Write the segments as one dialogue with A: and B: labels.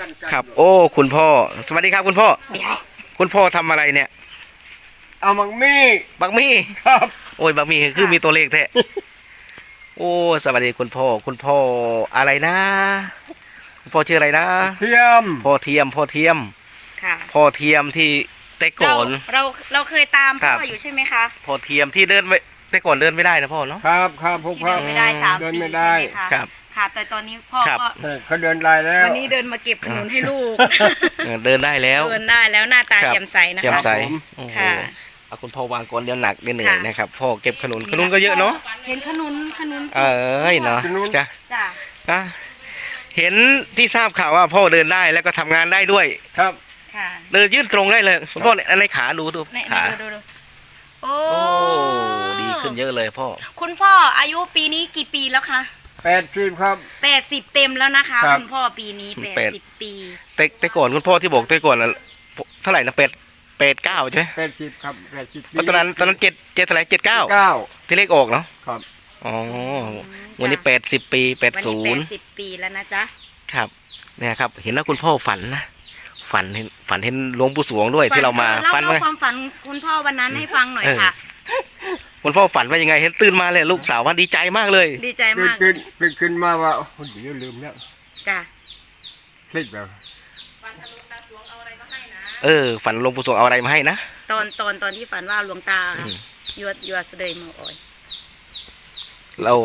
A: ครับโอ้คุณพ่อสวัสดีครับคุณพ่อคุณพ่อทำอะไรเนี่ย
B: เอาบักมี่
A: ครับโอ้ยบักมี่คือมีตัวเลขแท้โอ้สวัสดีคุณพ่ออะไรนะคุณพ่อชื่ออะไรนะ
B: เทียม
A: พ่อเทียม
C: ค่ะ
A: พ่อเทียมที่แต่ก่อน
C: เราเคยตามพ่ออยู่ใช่ไหมคะ
A: พ่อเทียมที่เดินไม่แต่ก่อนเดินไม่ได้นะพ่อเนาะ
B: ครับพวกพ่อ
C: เดินไม่ได้3
B: เดิน
C: ปี
B: ไม่
C: ใช่
B: ได้
C: ไหมคะ
A: ครับ
C: ค่ะแต่ตอนนี้พ่อก็
B: เขาเดินได้แล้ว
C: วันนี้เดินมาเก็บขนุนให้ลูก
A: เดินได้แล้ว
C: เดินได้แล้วหน้าตาแจ่มใสนะคะ
A: แจ่มใส
C: ค่ะ
A: เอาคุณพ่อวางก่อนเดี๋ยวหนักเดี๋ยวเหนื่อยนะครับพ่อเก็บขนุนก็เยอะเนาะ
C: เห็นขนุน
A: เนาะจ้ะเห็นที่ทราบข่าวว่าพ่อเดินได้แล้วก็ทำงานได้ด้วย
B: ครับ
C: ค่ะ
A: เดินยืดตรงได้เลยคุณพ่อในขาดูขา
C: ดูโอ้
A: ดีขึ้นเยอะเลยพ่อ
C: คุณพ่ออายุปีนี้กี่ปีแล้วคะ
B: 80ครับ
C: 80เต็มแล้วนะคะคุณพ่อปีนี้80ปี
A: แต่ก่อนคุณพ่อที่บอกแต่ก่อนเท่าไหร่นะ89ใช่ไหม
B: 80ครับ80
A: ตอนนั้น7เท่าไหร่79ที่เลขออกเนาะ
B: ครับ
A: อ๋อวันนี้80ปี80
C: 80ปีแล้วนะจ๊ะ
A: ครับเนี่ยครับเห็นแล้วคุณพ่อฝันเห็นหลวงปู่สวงด้วยที่เรามา
C: ฝันความฝันคุณพ่อวันนั้นให้ฟังหน่อยค่ะ
A: คุณพ่อฝันว่ายังไงเห็นตื่นมาเลยลูกสาวว่าดีใจมากเลย
C: ดีใจมาก
B: ตื่นขึ้นมาว่าเดี๋ยวลืมแล้ว
C: จ้ะ
B: คลิกแบบ
C: ฝันหลวงตาสวงเอาอะไรมาให้นะ
A: ฝันหลวงปู่สวงเอาอะไรมาให้นะ
C: ตอนที่ฝันว่าหลวงตายวดเสด็จมาอ่อย
A: เรา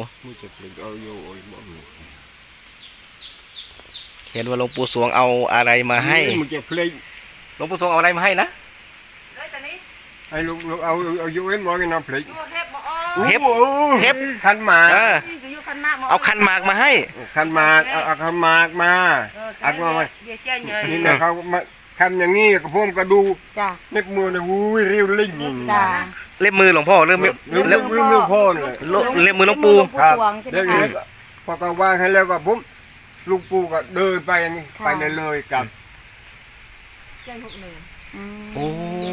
A: เห็นว่าหลวงปู่สวงเอาอะไรมาให้หลวงปู่สวงเอาอะไรมาให้นะ
B: ไอ้ลูกเอาอยู่เอ็นบอกกันนะพลิก
A: เฮ็บ
B: ขันหมาก
A: เอาขันหมากมาให้
B: ขันหมากเอาขันหมากมาอัดมานี่นะเขาทำอย่างนี้กับพวกกระดูเล็บมือเนี่ยวุ้ยเรียวลิ่ง
A: เล็บมือหลวงพ่อเล็บ
B: พ่อเลย
A: เล็บมือหลวงปู่
B: ครับเล็บพอก็วางให้แล้วก็ผมลูกปู่ก็เดินไปนี่ไปเลยกับ
A: โอ้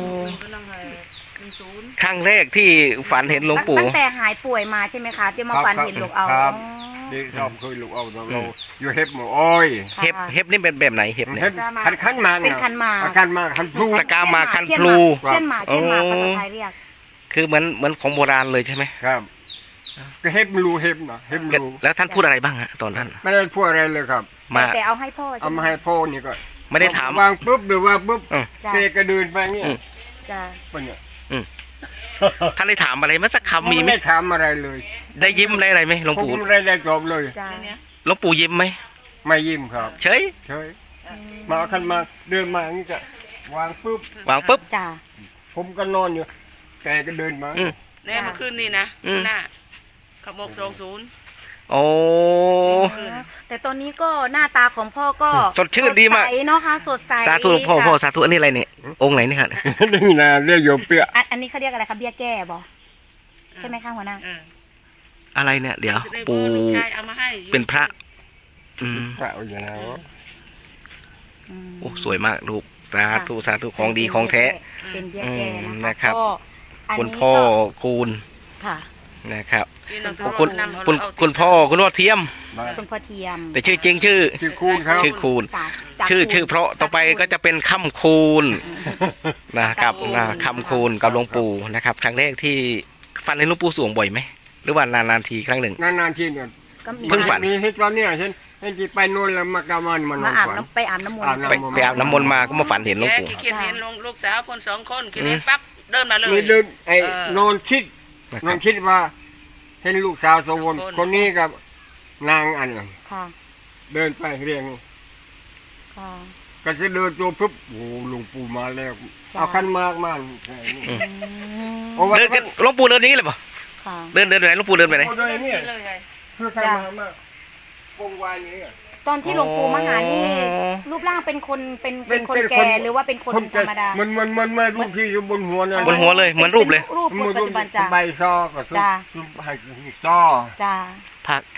A: ครั้งแรกที่ฝันเห็นหลวงปู่
C: ตั้งแต่หายป่วยมาใช่ไหมคะที่มาฝันเห็นหลวงเอา
B: ดีชอบเคยหลวงเอาเราอยู่เห็บหมูอ้อย
A: เห็บนี่เป็นแบบไหนเห็บเนี่ย
B: ขันมา
C: เป็นขันมา
B: ขันพลู
A: ตะกามาขันพลู
C: เช่นมาภาษาไทยเรียก
A: คือเหมือนของโบราณเลยใช่ไหม
B: ครับก็เห็บรูเห็บนะเห็บรู
A: แล้วท่านพูดอะไรบ้างฮะตอนนั้น
B: ไม่ได้พูดอะไรเลยครับ
C: แต่เอาให้พ่อ
B: เอามาให้พ่อนี่ก็
A: ไม่ได้ถาม
B: วางปุ๊บหรือว่าปุ๊บเตะกระเดินไปเนี่ย
C: เนี่ย
A: ท่านได้ถามอะไรมั้ยสักคำมีไหม
B: ไม่ได้ถามอะไรเลย
A: ได้ยิ้มอะไรไหมหลวงปู่
B: ไม่ได้จบเลย
A: หลวงปู่ยิ้มไหม
B: ไม่ยิ้มครับ
A: เฉย
B: มาขึ้นมาเดินมาอย่างนี้จะวาง
A: ปุ๊บ
B: ผมก็นอนอยู่แกก็เดินมา
D: เนี่ยเมื่อคืนนี่นะหน้าขบ20โอ้
C: แต่ตอนนี้ก็หน้าตาของพ่อก็
A: สดชื่นดีมาก
C: เนาะค่ะสดใส
A: สาธุพ่อสาธุอันนี้อะไรเนี่ยองค์ไหนนี่ครับ
B: นี่นะเรียกโยมเปีย
C: อันนี้เขาเรียกอะไรคะเบี้ยแก้บอใช่ไหมคะหัวหน้า
A: อะไรเนี่ยเดี๋ยวปู่เป็นพระ
B: พระอย่างนั้น
A: โอ้สวยมากลูกสาธุของดีของแท้
C: เป็นเบี้ยแก้
A: นะครับคุณพ่อคูณนะครับคุณพ่อเทียมแต่ชื่อจริงชื่อ
B: คูณครับ
A: ชื่อคูณชื่อเพราะต่อไปก็จะเป็นค่ำคูณนะครับค่ำคูณกับหลวงปู่นะครับครั้งแรกที่ฝันเห็นหลวงปู่สวงบ่อยไหมหรือว่านานๆทีครั้งหนึ่ง
B: นานๆทีเนี่ย
A: เพิ่งฝัน
B: มีเหตุการณ์เนี่ยเช่นไปโน่นแล้วมากามัน
C: ไปอาบน้ำมนต์
A: ไปอาบน้ำมนต์มาก็มาฝันเห็นหลวงปู่
D: เห็นลูกสาวคน2คนคิดเห็นปั๊บเดินมาเลย
B: มีเดินนอนคิดว่าเห็นลูกสาวสองคนนี้กับนางอันนึงเดินไปเรียงก็จะเดินตัวปุ๊บโอ้หลวงปู่มาแล้วเอาขันมากมาก
A: เดินหลวงปู่เดินนี้เลยป่ะเดินไหนหลวงปู่เดินไปไหน
B: คือขันมากมากวงวายนี้
C: ตอนที่หลวงปู่มาหานี่รูปร่างเป็นคนแก่หรือว่าเป็นคนธรรมดา
B: มันรูปที่อยู่บนหัวเนี่ย
A: บนหัวเลยเหมือนรูปเลย
C: รูปปัจจุบันจ้า
B: ใบซอกับใบซอ
C: จ้า
A: ผัก